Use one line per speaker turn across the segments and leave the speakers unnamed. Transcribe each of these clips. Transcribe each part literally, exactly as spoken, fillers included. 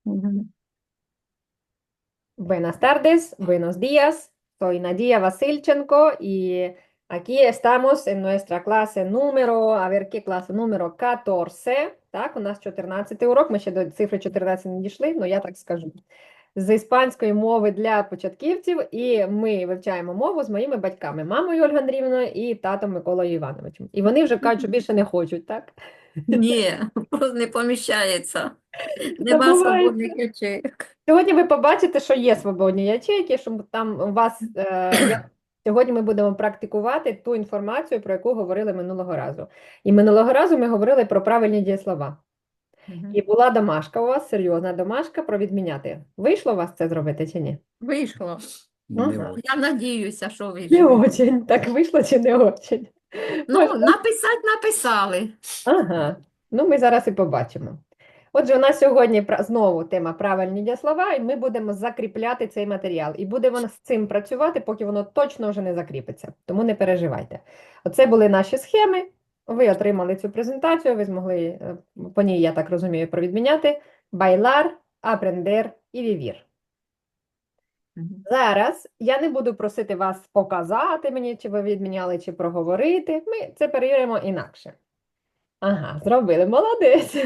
Ujú.
Buenas tardes, buenos días. Soy Nadia Vasilchenko y aquí estamos en nuestra clase número, a ver, ¿qué клас? Número catorce. Так, у нас чотирнадцятий урок, ми ще до цифри чотирнадцять не дійшли, але я так скажу. З іспанської мови для початківців, і ми вивчаємо мову з моїми батьками, мамою Ольгою Андріївною і татом Миколою Івановичем. І вони вже кажуть, що більше не хочуть, так?
Ні, просто не поміщається. Нема
Забувають.
свободних ячеїк.
Сьогодні ви побачите, що є свободні ячейки, що там у вас е, я, сьогодні ми будемо практикувати ту інформацію, про яку говорили минулого разу. І минулого разу ми говорили про правильні дієслова. І
Мгм.
була домашка у вас, серйозна домашка про відміняти. Вийшло у вас це зробити чи ні?
Вийшло.
Не
Ага. Я надіюся, що
Не
вийшло.
очень. Так вийшло чи не очень?
Ну,
Може,
написати написали.
ага. Ну, ми зараз і побачимо. Отже, у нас сьогодні пра- знову тема правильні дієслова, і ми будемо закріпляти цей матеріал. І будемо з цим працювати, поки воно точно вже не закріпиться. Тому не переживайте. Оце були наші схеми. Ви отримали цю презентацію, ви змогли е, по ній, я так розумію, провідміняти. Байлар, апрендер і вівір.
Мгм.
Зараз я не буду просити вас показати мені, чи ви відміняли, чи проговорити. Ми це перевіримо інакше. Ага, зробили, молодець.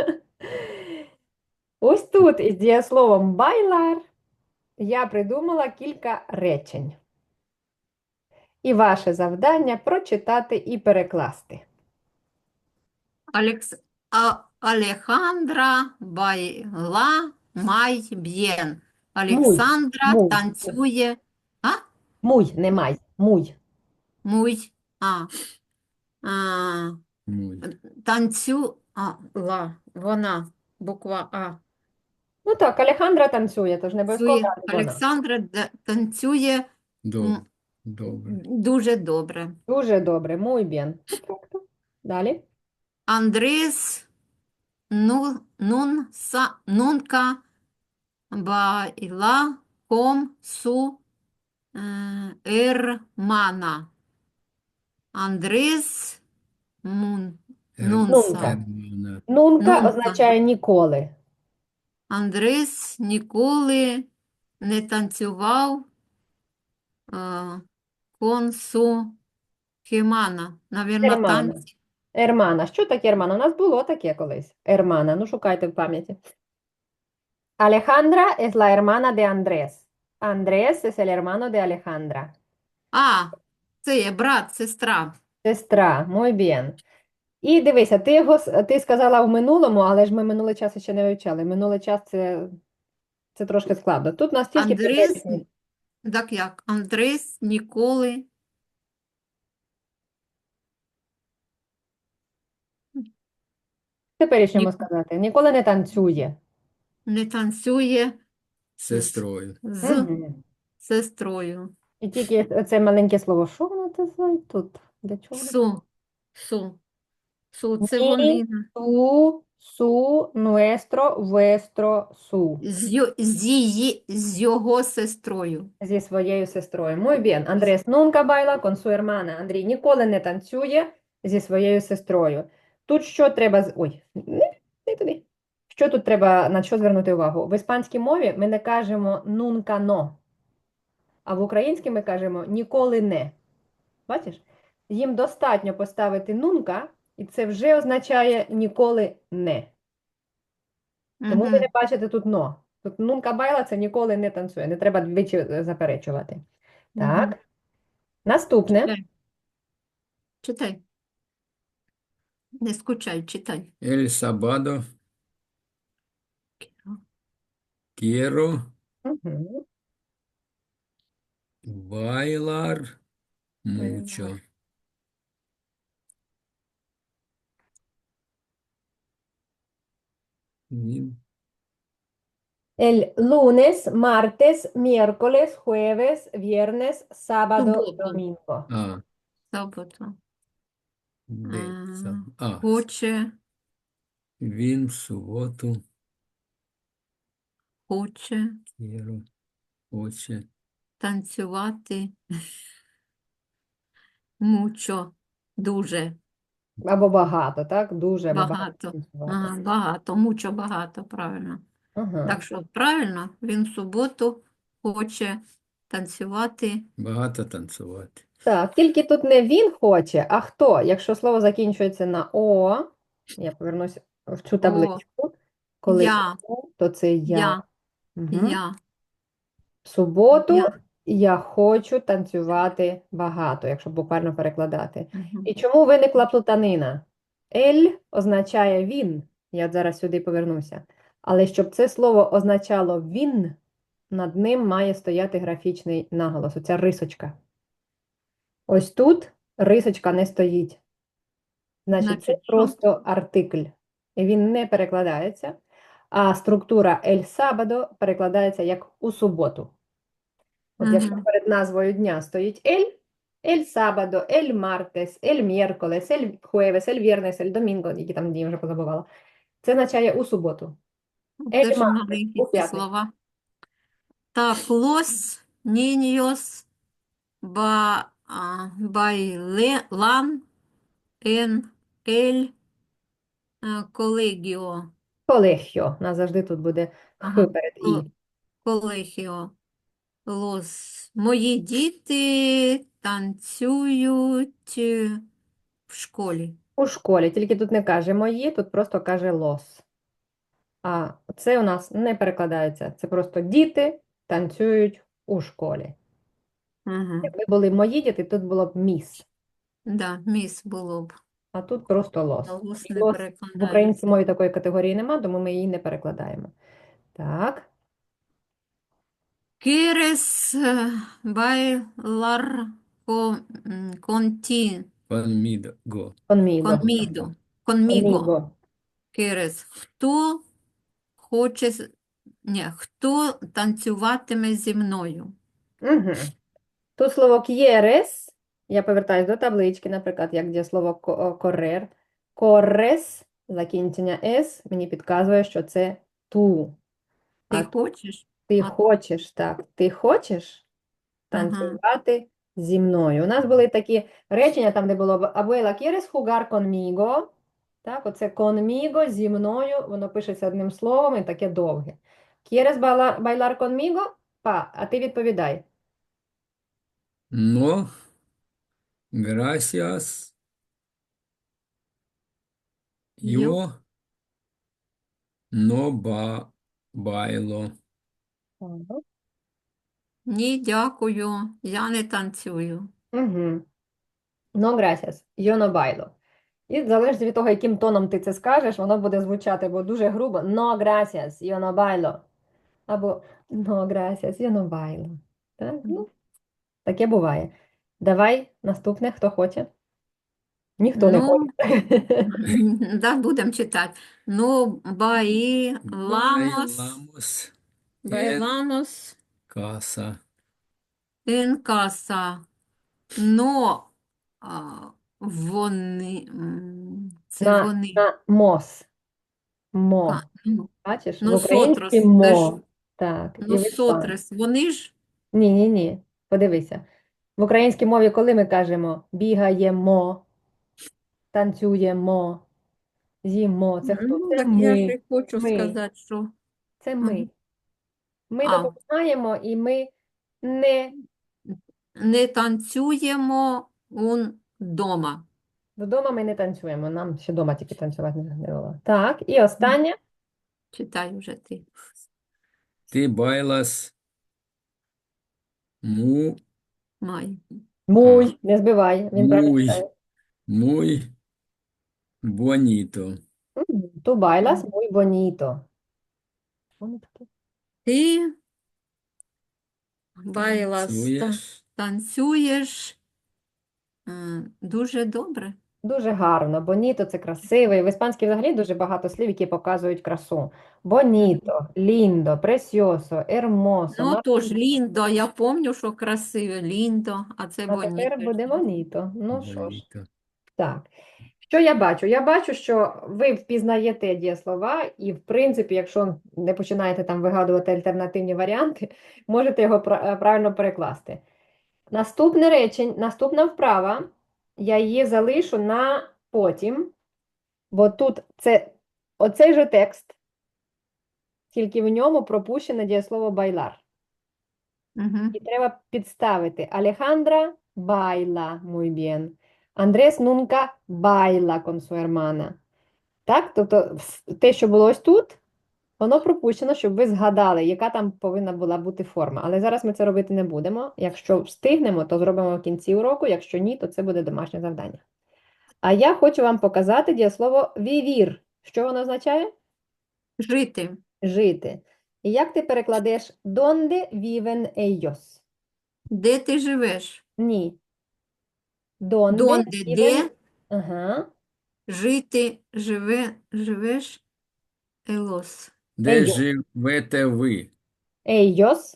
Ось тут із дієсловом байлар я придумала кілька речень. І ваше завдання прочитати і перекласти.
Алекс... А... Алехандра байла май б'єн.
Муй,
Олександра
муй,
танцює. А?
муй, не май, муй.
Муй. А. А.
Muy.
Танцю. А. Ла. Вона. Буква А.
Ну так, Алехандра танцює, тож не обов'язково
Танцює.
брати вона.
Олександра д- танцює
Доб-
м,
Добре.
дуже добре.
Дуже добре, muy bien. Perfecto. Далі.
Андрес ну, нун, са, нунка байла ком су е, ермана. Андрес мун,
Ер-
нунса.
Нунка.
Ермана.
Нунка
Нунка.
означає ніколи.
Андрес ніколи не танцював е, кон су хімана. Навірно,
Ермана.
танці.
Ермана. Що таке ермана? У нас було таке колись. Ермана. Ну, шукайте в пам'яті. Alejandra es la hermana de Andrés. Andrés es el hermano de Alejandra.
А, це є брат, сестра.
Сестра, muy bien. І дивися, ти його с- ти сказала в минулому, але ж ми минулий час ще не вивчали. Минулий час це, це трошки складно. Тут у нас тільки
Андрес,
теперішній.
так як? Андрес ніколи
Теперішньому
ні,
сказати. Ніколи не танцює.
не танцює з,
Сестрою.
з
Угу.
сестрою.
І тільки це маленьке слово. Що воно це за тут? Для чого?
Су, су, су, це
Ні,
вони.
ту, су, nuestro, vuestro, su.
З, ю- з, її, з його сестрою.
Зі своєю сестрою. Muy bien. Andrés nunca baila con su hermana. Андрій ніколи не танцює зі своєю сестрою. Тут що треба... з- Ой, не, не туди. Що тут треба, на що звернути увагу? В іспанській мові ми не кажемо nunca no, а в українській ми кажемо ніколи не. Бачиш? Їм достатньо поставити nunca, і це вже означає ніколи не. Тому ви
Угу.
не бачите тут но. Тут nunca baila – це ніколи не танцює. Не треба двічі е, заперечувати.
Угу.
Так. Наступне.
Читай. Читай. Не скучай, читай.
El sábado quiero
Угу.
bailar mucho. Ні.
El lunes, martes, miércoles, jueves, viernes, sábado,
Суботу.
domingo.
А,
Суботу.
де це?
Е,
А,
Хоче,
він в суботу
хоче
quiero, хоче
танцювати мучо, дуже
Або багато, так? Дуже або багато
багато.
танцювати.
Ага, багато, мучо багато, правильно.
Ага.
Так що правильно, він в суботу хоче танцювати.
Багато танцювати.
Так, тільки тут не він хоче, а хто? Якщо слово закінчується на О, я повернусь в цю
О,
табличку. Коли
я,
О, то це я.
я,
Угу.
я,
В суботу
я.
я хочу танцювати багато, якщо буквально перекладати.
Мгм.
І чому виникла плутанина? Ель означає він. Я от зараз сюди повернуся. Але щоб це слово означало він, над ним має стояти графічний наголос. Оця рисочка. Ось тут рисочка не стоїть. Значить, це
Значить, що?
просто артикль. І він не перекладається. А структура ель сабадо перекладається як у суботу. От якщо
Мгм.
перед назвою дня стоїть ель, ель сабадо, ель мартес, ель мєрколес, ель хуевес, ель вірнес, ель домінго, які там дні вже позабувала. Це означає у суботу.
Це
Ель
ж
мартес, у
маленькі ці
п'ятницю.
слова. Так, los niños ba, а, bailan en el а, colegio.
Колегіо. У нас завжди тут буде х
Ага.
перед
ко-
і.
Colegio. Los. Мої діти танцюють е, в школі.
У школі. Тільки тут не каже мої, тут просто каже лос. А це у нас не перекладається. Це просто діти танцюють у школі.
Ага.
Якби були мої діти, тут було б міс.
Да, міс було б.
А тут просто лос.
Лос
І
не
лос в українській
перекладається.
мові такої категорії нема, тому ми її не перекладаємо. Так,
¿Quieres eh, bailar con, м, conti-
Conmigo.
conmigo.
conmigo? Conmigo.
Conmigo.
¿Quieres? Хто хоче, з- ні, хто танцюватиме зі мною?
Угу. Тут слово quieres, я повертаюсь до таблички, наприклад, як дієслово ко- correr. Corres, закінчення s, мені підказує, що це ту.
Ти
А
хочеш?
ти
А,
хочеш, так, ти хочеш
ага.
танцювати зі мною. У нас були такі речення, там, де було б Abuela, ¿quieres jugar conmigo? Так, оце conmigo, зі мною, воно пишеться одним словом і таке довге. ¿Quieres bailar, bailar conmigo? Па, а ти відповідай.
No, gracias.
Yo?
Yo no ba bailo.
Ні, дякую, я не танцюю.
Угу. No, gracias. Yo no bailo. І залежить від того, яким тоном ти це скажеш, воно буде звучати або дуже грубо No, gracias, yo no bailo. Або No, gracias, yo no bailo. Так? Ну, таке буває. Давай наступне, хто хоче. Ніхто не
Ну,
хоче.
да, будемо читати. Ну, bailamos,
Bailamos en
bailamos
casa.
Ем,
en casa. Но а, вони, м, це
На,
вони.
на мос.
А,
Мо.
ну,
Бачиш? В українській
Носотрос, це ж
мо. Так, і в іспанській.
носотрес, вони ж
Ні, ні, ні. Подивися. В українській мові, коли ми кажемо бігаємо, танцюємо, з'їмо, це хто?
ну,
Це
так я ж
ми.
і хочу
Ми.
сказати, що
Це ми.
Мгм.
Ми
А,
допомагаємо і ми не
не танцюємо вдома.
вдома ми не танцюємо. Нам ще вдома тільки танцювати не не було. Так, і останнє.
Читай вже ти.
Ти bailas mu,
Май.
Муй, не збивай, він правильно
muy,
читає.
muy bonito.
Ту байлас muy bonito. Воно таке.
Ти байлас, та-
Танцюєш?
танцюєш е, дуже добре.
Дуже гарно. Боніто це красивий. В іспанській взагалі дуже багато слів, які показують красу. Боніто, ліндо, пресіосо, ермосо.
Ну, тож, Ліндо, я пам'ятаю, що красиве, Ліндо, а це
А тепер
Боніто.
буде боніто. Ну що ж,
Bonito.
так. Що я бачу? Я бачу, що ви впізнаєте дієслова, і, в принципі, якщо не починаєте там вигадувати альтернативні варіанти, можете його пра- правильно перекласти. Наступне речень, наступна вправа, я її залишу на потім, бо тут це оцей же текст, тільки в ньому пропущене дієслово байлар.
Мгм.
І треба підставити. Alejandra baila muy bien. Andrés nunca baila con su hermana. Так? Тобто вс- те, що було ось тут, воно пропущено, щоб ви згадали, яка там повинна була бути форма. Але зараз ми це робити не будемо. Якщо встигнемо, то зробимо в кінці уроку. Якщо ні, то це буде домашнє завдання. А я хочу вам показати дієслово vivir. Що воно означає?
Жити.
Жити. І як ти перекладеш «Donde viven ellos»?
Де ти живеш?
Ні. «Donde
Донде,
viven...»
де
Ага.
жити, живе, живеш? Елос.
Де
Ellos.
живете ви?
Ellos.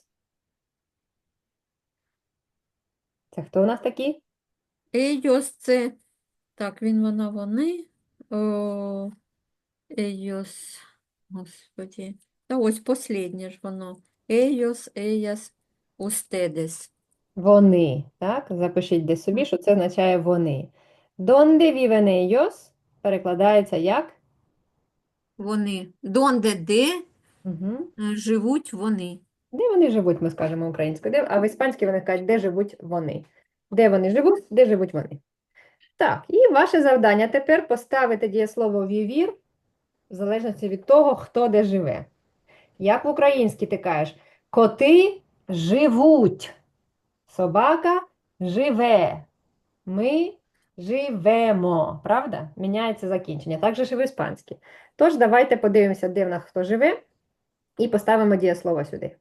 Це хто у нас такі?
Ейос це, так, він, вона, вони. О, Ейос, господі. Та ось посліднє ж воно. Ейос, еяс, устедес.
Вони. Так? Запишіть десь собі, що це означає вони. «Donde viven ellos» перекладається як?
Вони. Донде, де
Угу.
е, живуть вони.
Де вони живуть, ми скажемо українською. Де... А в іспанській вони кажуть, де живуть вони. Де вони живуть, де живуть вони. Так, і ваше завдання тепер поставити дієслово «vivir» в залежності від того, хто де живе. Як в українській ти кажеш, коти живуть, собака живе, ми живемо. Правда? Міняється закінчення. Так же ж і в іспанській. Тож давайте подивимося, де в нас хто живе, і поставимо дієслово сюди.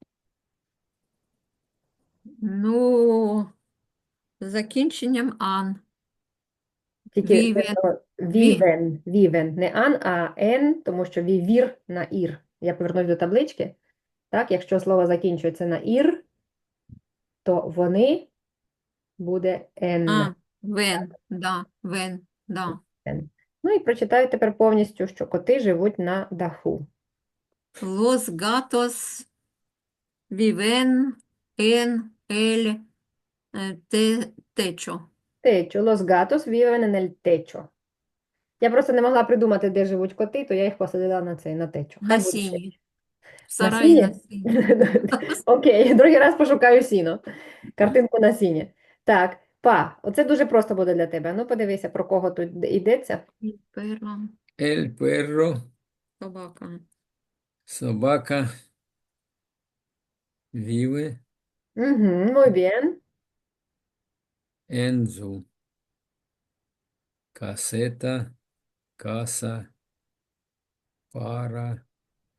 Ну, з закінченням ан.
Тільки
Вівен.
видно вівен, вівен, не ан, а ен, тому що вівір на ір. Я повернусь до таблички. Так, якщо слово закінчується на ір, то вони буде ен.
А, вен, да, вен, да.
Ен. Ну і прочитаю тепер повністю, що коти живуть на даху.
Los gatos viven en el eh, te- techo.
Течо, los gatos viven en el techo. Я просто не могла придумати, де живуть коти, то я їх посадила на цей, на течо. Хай
На
буде ще.
сіні. В
На
сараї на
сіні?
сіні.
Окей, другий раз пошукаю сіно. Картинку на сіні. Так, па, оце дуже просто буде для тебе. Ну, подивися, про кого тут йдеться.
Перо,
El perro,
собака.
собака, vive
Угу, muy bien.
en su caseta, casa, para,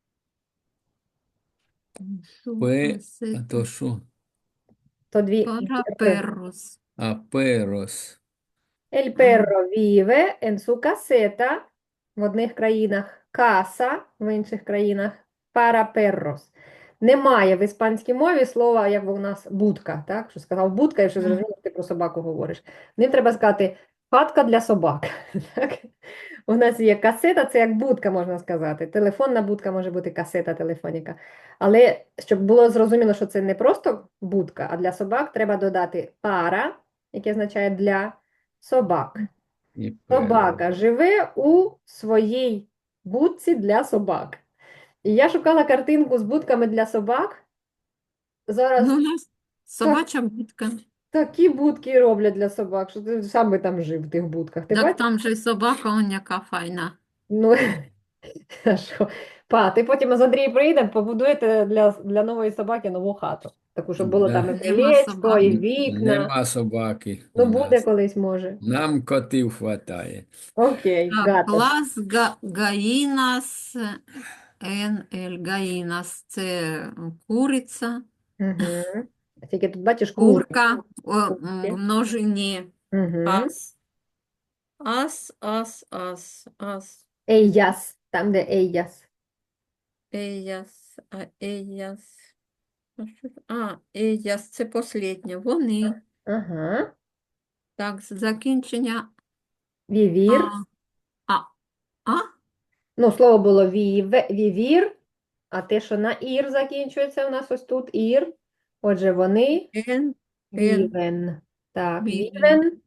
Su
пе, а
caseta
то що?
То дві
para
р.
perros.
А перос.
El perro vive en su caseta в одних країнах, casa в інших країнах, para perros. Немає в іспанській мові слова, як у нас будка, так? Що сказав будка, і що
Мгм.
зрозуміло, ти про собаку говориш. Ним треба сказати хатка для собак. Так? У нас є касета, це як будка, можна сказати. Телефонна будка може бути касета телефоніка. Але щоб було зрозуміло, що це не просто будка, а для собак, треба додати para, яке означає для собак.
І перо.
Собака живе у своїй будці для собак. І я шукала картинку з будками для собак. Зараз
Ну, у нас собача будка.
такі будки роблять для собак, що ти сам би там жив в тих будках. Ти
Так
бачиш?
там же й собака, он яка файна.
Ну, а що? Па, ти потім з Андрієм приїдемо, побудуєте для, для нової собаки нову хату. Таку, щоб було
Да.
там і
Нема
крилечко,
собак.
і вікна.
Нема собаки
Ну,
у
буде
нас.
колись, може.
Нам котів хватає.
Окей,
Так,
гато.
клас га, гаїнас, ен ель гаїнас, це куриця,
Угу. Тільки тут бачиш кури.
курка, о,
Курки.
в множині,
Угу.
ас, ас, ас, ас, ас,
Ellas, там, де ellas.
еяс, а еяс, а, що це? А, еяс, це посліднє, вони,
Ага.
так, з закінчення,
Vivir.
а, а, а,
Ну, слово було віве, вівір, а те, що на ір закінчується, у нас ось тут ір. Отже, вони
ен, ен,
вівен. Так,
Viven.
вівен.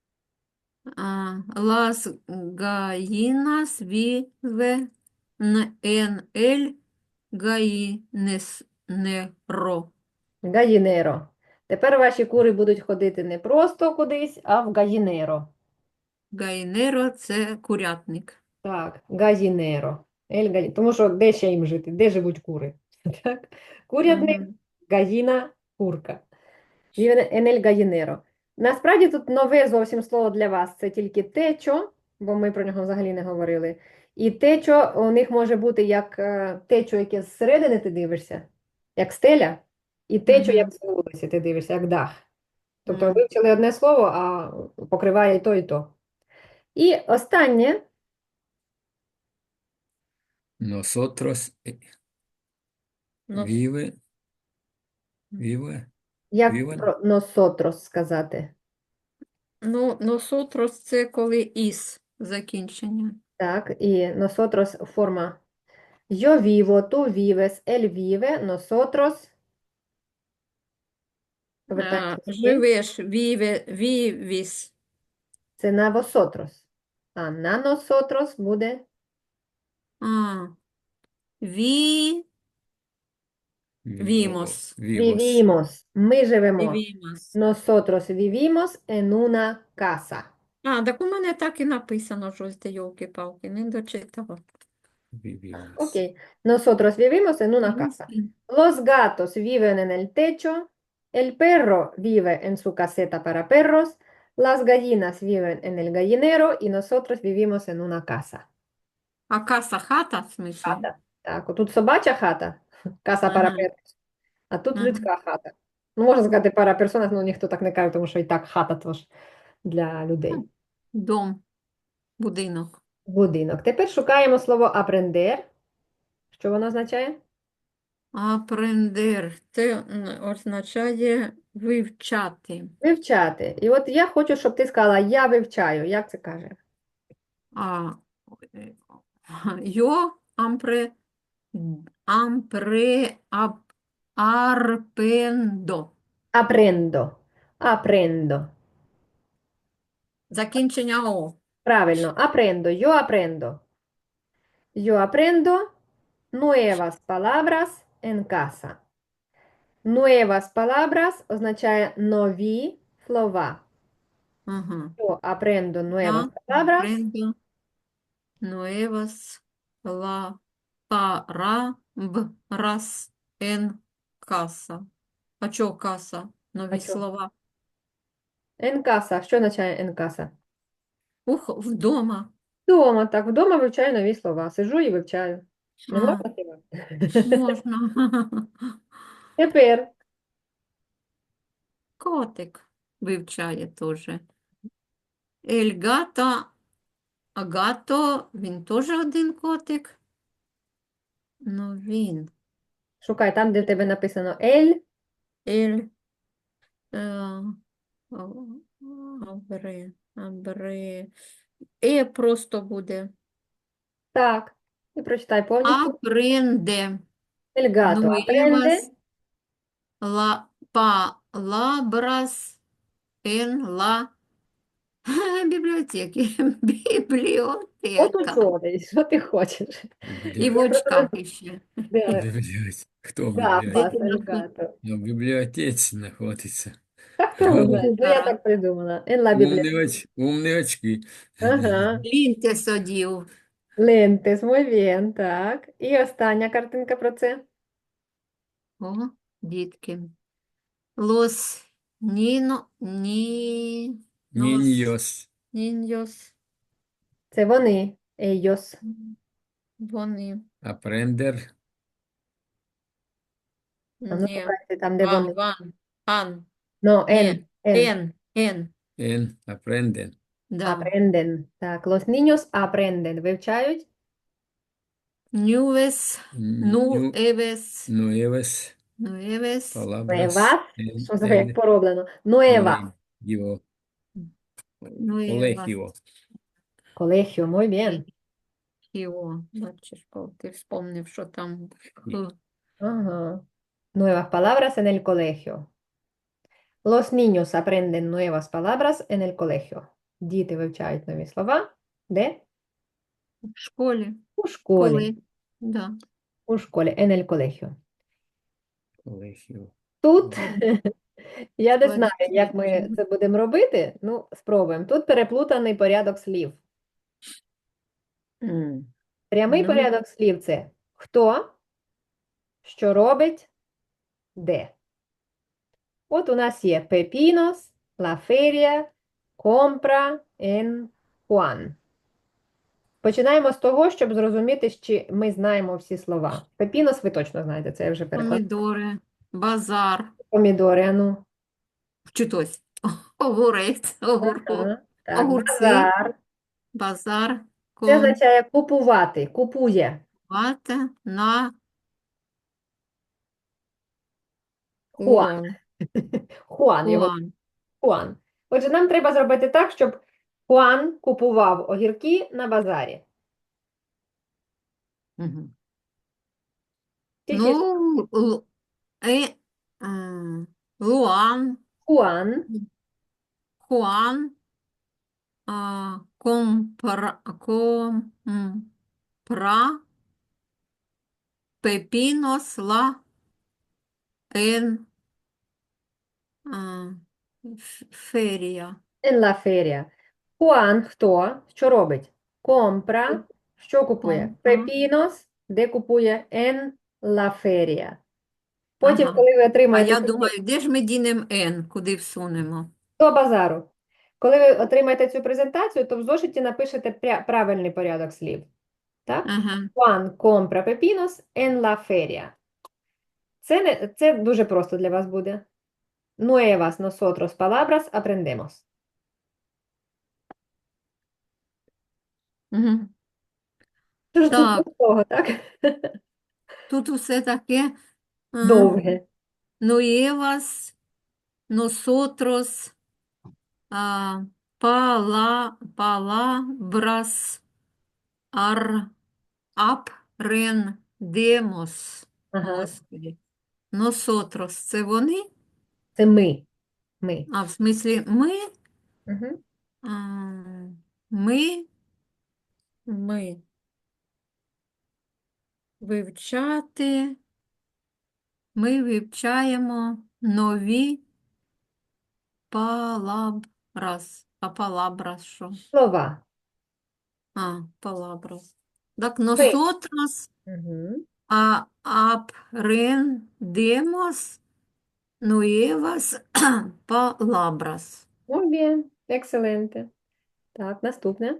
а, las gallinas viven en el гаїнеро.
Гаїнеро. Тепер ваші кури будуть ходити не просто кудись, а в гаїнеро.
Гаїнеро – це курятник.
Так, гаїнеро. Ель гаї- Тому що де ще їм жити? Де живуть кури? Так? Курятник,
Мгм.
гаїна, курка. Vive en el gallinero. Насправді тут нове зовсім слово для вас. Це тільки течо, бо ми про нього взагалі не говорили. І течо у них може бути як е, течо, яке зсередини ти дивишся, як стеля, і течо,
Мгм.
як з вулиці ти дивишся, як дах. Тобто
Мгм.
вивчили одне слово, а покриває і то, і то. І останнє,
Nosotros eh,
Нос-
vive, vive,
як
viven.
про nosotros сказати.
Ну, носотрос – це коли із закінчення.
Так, і nosotros форма yo vivo, tú vives, él vive, nosotros. Повертаємося
А,
сюди.
живеш, віве, вівіс.
Це на vosotros. А на nosotros буде
А, ві, Vimos.
Vivos.
vivimos. Ми живемо.
вівімас.
Nosotros vivimos en una casa.
А, так у мене так і написано, щось де йолки-палки, не дочитала.
Vivimos.
Окей. Nosotros vivimos en una casa. Los gatos viven en el techo. El perro vive en su caseta para perros. Las gallinas viven en el gallinero y nosotros vivimos en una casa.
А каса хата, в смислі?
Хата. Так, отут собача хата, casa para
Ага.
perros, а тут
Ага.
людська хата. Ну, можна сказати para personas, але ніхто так не каже, тому що і так хата тож для людей.
Дом, будинок.
Будинок. Тепер шукаємо слово aprender. Що воно означає?
Апрендер – це м, означає вивчати.
Вивчати. І от я хочу, щоб ти сказала я вивчаю. Як це каже?
А, е, йо ампре, ампре, ап, арпендо.
Aprendo. Aprendo.
Закінчення О.
Правильно. Aprendo. Yo aprendo. Yo aprendo nuevas palabras en casa. Nuevas palabras означає нові слова.
Ага.
Yo aprendo nuevas
Я
palabras
апрендо nuevas la palabras en casa. А чого каса? Нові
А чого?
слова.
en casa. Що означає en casa?
Ух, вдома.
Вдома, так, вдома вивчаю нові слова. Сижу і вивчаю. Не
А,
можна співати?
можна.
Тепер
Котик вивчає теж. Ельгата, агато, він теж один котик. Ну, він.
шукай там, де в тебе написано el.
Ель. Е, а- абре, абре. Е просто буде.
Так, і прочитай повністю.
Апренде.
El gato aprende.
Nuevas la palabras en la бібліотеки. Бібліотека.
От учоний, що ти хочеш?
І в очках іще.
Де?
Бібліотека. Хто в
Гапас,
бібліотеці?
el gato.
Ну, в бібліотеці знаходиться.
Так хто не знає, ну я
Так.
так придумала. En la
Умні,
biblioteca.
оч... Умні очки.
Ага.
Ліньте садів.
Lentes, muy bien, так. І остання картинка про це.
О, дітки. Los niño, ni, los
Ніньос.
niños,
Це вони, ellos.
вони,
Апрендер.
А ну
не,
шукайте там, де
ван,
вони.
ван, ан,
No,
не,
en, en.
ен, ен,
Ен. Апренден.
да.
Aprenden. Так, los niños aprenden. Вивчають?
Нювес, ну,
Ню...
евес,
Nuevas
нуевес,
palabras
Nuevas.
en
Що це як
el
пороблено? Nuevas.
colegio.
нуевас.
Colegio.
Colegio, muy bien.
Хіо, бачиш, Павло, ти вспомнив, що там х.
Ага. Nuevas palabras en el colegio. Los niños aprenden nuevas palabras en el colegio. Діти вивчають нові слова. Де?
В школі,
У школі.
коли, да.
У школі, en el colegio.
Colegio.
Тут
Colegio.
я не знаю,
Квартира.
як ми це будемо робити. Ну, спробуємо. Тут переплутаний порядок слів.
М.
Прямий
Ну,
порядок слів це хто, що робить, де. От у нас є pepinos, la feria, compra en Juan. Починаємо з того, щоб зрозуміти, чи ми знаємо всі слова. Пепінос ви точно знаєте, це я вже перекладаю.
помідори, базар,
Помідори, ану.
вчитось, огурець, огурко,
Ага. Так,
огурці,
базар.
базар,
Це означає купувати, купує.
компати на
Хуан.
кон,
Хуан його.
кон.
Хуан. Отже, нам треба зробити так, щоб Хуан купував огірки на базарі.
Мгм.
Тільки ж
Ну, л- е, м, Луан,
Хуан
Хуан, а, компра, компра, пепінос, ла, ен, а, ф- ферія.
en la feria. Хуан хто? Що робить? Компра. Що купує?
Компра.
Пепінос, де купує en la feria. Потім,
Ага.
коли ви
А
отримаєте
я
цю
думаю, де ж ми дінемо Н, куди всунемо?
до базару. Коли ви отримаєте цю презентацію, то в зошиті напишете пря- правильний порядок слів. Так?
Ага.
Juan compra pepinos en la feria. Це, не, це дуже просто для вас буде. Nuevas nosotros palabras aprendemos.
Мгм.
Що ж тут
Так,
простого, так?
тут усе таке. а,
Довге.
Nuevas, nosotros, а, пала, palabras, ar, aprendemos.
Ага.
Господи. Nosotros, це вони?
Це ми. Ми.
А, в смислі, ми?
Угу.
А, ми, ми. Вивчати. Ми вивчаємо нові палабрас. А палабрас що?
Слова.
А, палабрас. Так,
Ми.
nosotros
Угу.
а, aprendemos nuevas palabras.
Muy bien. Excelente. Так, наступне.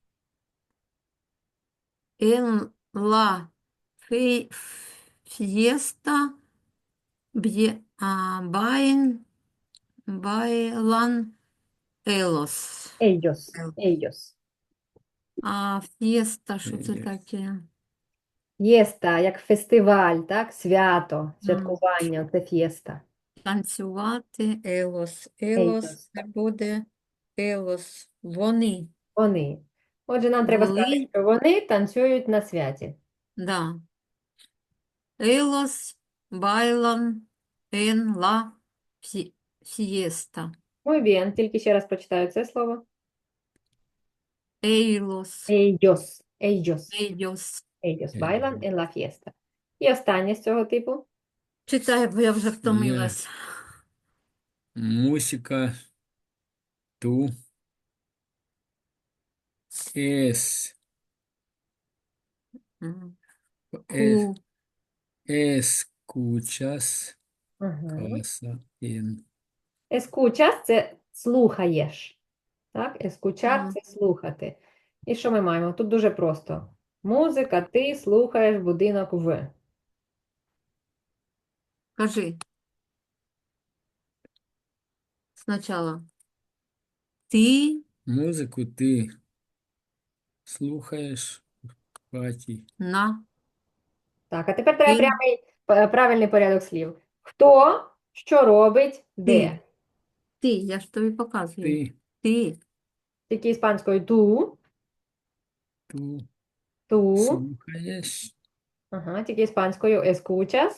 En la fi- fiesta bie- а, bain- bailan ellos.
Ellos. Ellos.
А фієста, що це
Ellos.
таке?
Єста, як фестиваль, так? Свято,
М,
святкування, це фєста.
Танцювати, елос. Елос
Ellos.
це буде елос. Вони.
Вони. Отже, нам треба сказати,
Були,
що вони танцюють на святі.
да. Елос байлан ен ла фі- фієста.
Muy bien. Тільки ще раз прочитаю це слово.
Ейлос.
Ellos. Ellos.
Елlos.
Ellos
Ellos.
bailan en la fiesta. І останнє з цього типу.
Читай, бо я вже втомилась.
Música. Tú es,
М.
es-
Ку.
escuchas
Ага.
casa en
Escuchas – це слухаєш. Так? Escuchar
Ага.
– це слухати. І що ми маємо? Тут дуже просто. Музика, ти слухаєш будинок в.
Кажи. Спочатку. Ти
музику ти слухаєш в хаті.
на
Так, а тепер треба
ти
прямий, п- правильний порядок слів. Хто, що робить, де.
Ти. Ти, я ж тобі показую.
Ти
Ти.
Тільки іспанською ту,
ту
ту.
слухаєш.
Ага, тільки іспанською escuchas.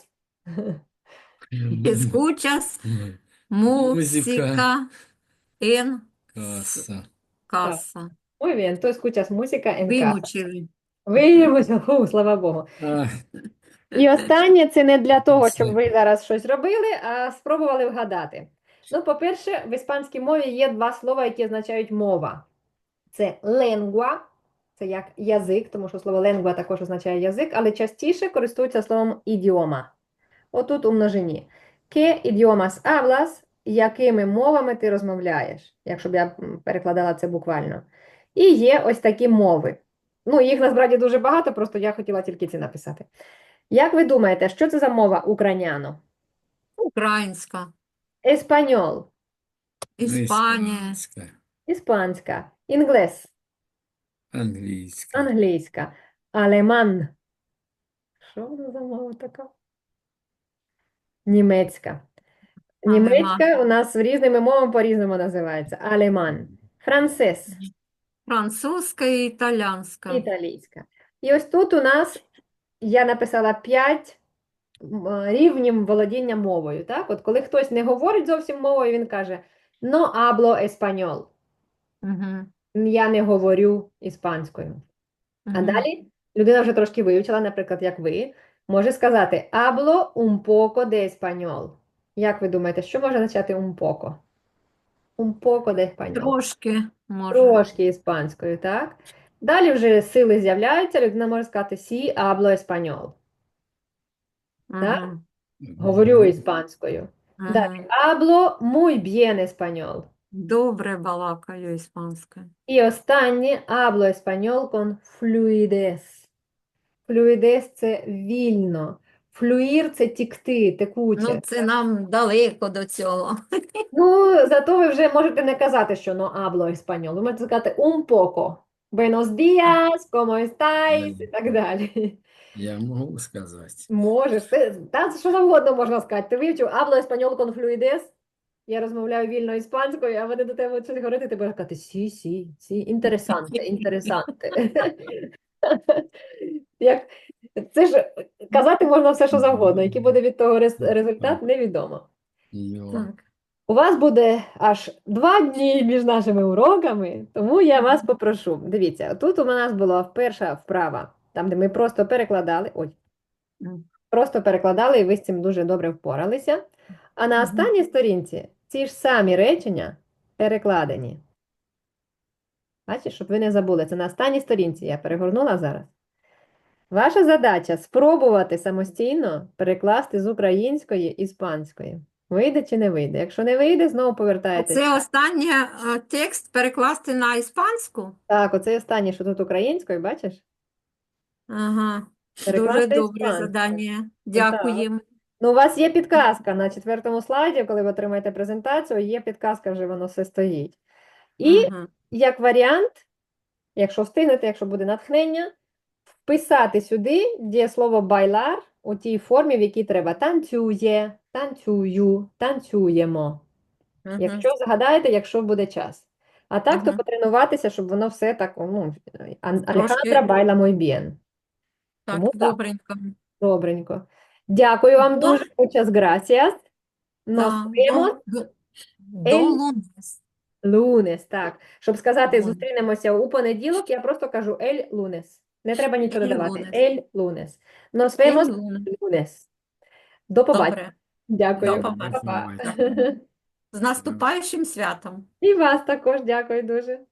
Escuchas
Музика.
música en
Каса.
casa.
Muy bien, tú escuchas música en casa.
Вимучили.
Виявилося, фу, слава Богу.
А,
І останнє це не для того, щоб
Це
ви зараз щось робили, а спробували вгадати. Ну, по-перше, в іспанській мові є два слова, які означають мова. Це lengua, це як язик, тому що слово lengua також означає язик, але частіше користуються словом ідіома. Отут у множині. ¿Qué idiomas hablas? Якими мовами ти розмовляєш? Якщо б я м, перекладала це буквально. І є ось такі мови. Ну, їх насправді дуже багато, просто я хотіла тільки ці написати. Як ви думаєте, що це за мова україняно?
Українська,
Еспаньол,
Іспанія,
іспанська,
іспанська, інглес,
англійська,
англійська, алеман. Що воно за мова така? Німецька.
алеман,
Німецька у нас різними мовами по-різному називається. Алеман. Францез.
французька і італійська.
Італійська. І ось тут у нас я написала п'ять рівнів володіння мовою. Так? От коли хтось не говорить зовсім мовою, він каже «No hablo español».
Угу.
Я не говорю іспанською. А
Угу.
далі людина вже трошки вивчила, наприклад, як ви, може сказати «Hablo un poco de español». Як ви думаєте, що може означати un poco? Un poco de español.
Трошки може.
Трошки іспанською, так? Далі вже сили з'являються, людина може сказати «Sí hablo español». Так?
Ага.
Говорю іспанською. Далі
Ага.
«Hablo muy bien español».
Добре балакаю іспанською.
І останнє «Hablo español con fluidez». Fluidez – це вільно. Флюїр – це тікти, текуче.
Ну, це нам далеко до цього.
Ну, зато ви вже можете не казати, що «no hablo español». Ви можете сказати «un poco». Buenos días, ¿cómo estáis? І так далі.
я можу сказати.
Можеш. Ти, та що завгодно можна сказати. Ти вивчив «hablo español con fluidez». Я розмовляю вільно іспанською, а вони до тебе щось говорити, ти будеш казати «сі, сі, сі, інтересанте, інтересанте». Як... Це ж казати можна все, що завгодно. Який буде від того рез- результат, невідомо.
Йо.
Так.
У вас буде аж два дні між нашими уроками, тому я вас попрошу. Дивіться, тут у нас була перша вправа, там, де ми просто перекладали. Ой,
Мгм.
просто перекладали, і ви з цим дуже добре впоралися. А на
Мгм.
останній сторінці ці ж самі речення перекладені. Бачите, щоб ви не забули, це на останній сторінці, я перегорнула зараз. Ваша задача спробувати самостійно перекласти з української іспанської. Вийде чи не вийде? Якщо не вийде, знову повертаєтесь.
Це останній е, текст перекласти на іспанську?
Так, оце останнє, що тут українською, бачиш?
Ага. Дуже
Перекласти
добре
іспанською.
завдання. Дякуємо.
Ну, у вас є підказка на четвертому слайді, коли ви отримаєте презентацію, є підказка, вже воно все стоїть. І
Ага.
як варіант, якщо встигнете, якщо буде натхнення, вписати сюди дієслово байлар у тій формі, в якій треба танцює, танцюю, танцюємо.
Ага.
Якщо згадаєте, якщо буде час. А так, то
Ага.
потренуватися, щоб воно все так, ну, Ан-
Трошки.
Алехандра байла muy bien.
Так,
Тому так.
добренько.
Добренько. Дякую вам
До-
дуже. Muchas gracias. Nos
Так,
vemos
до, до, до
el
лунес.
lunes. Так. Щоб сказати,
Lunes.
зустрінемося у понеділок, я просто кажу el lunes. Не треба нічого
El
додавати.
lunes.
El lunes. Nos
El
vemos
lunes.
el lunes. До побачення.
Добре.
Дякую.
До побачення.
Па-па.
Бувайте.
З наступаючим святом.
І вас також дякую дуже.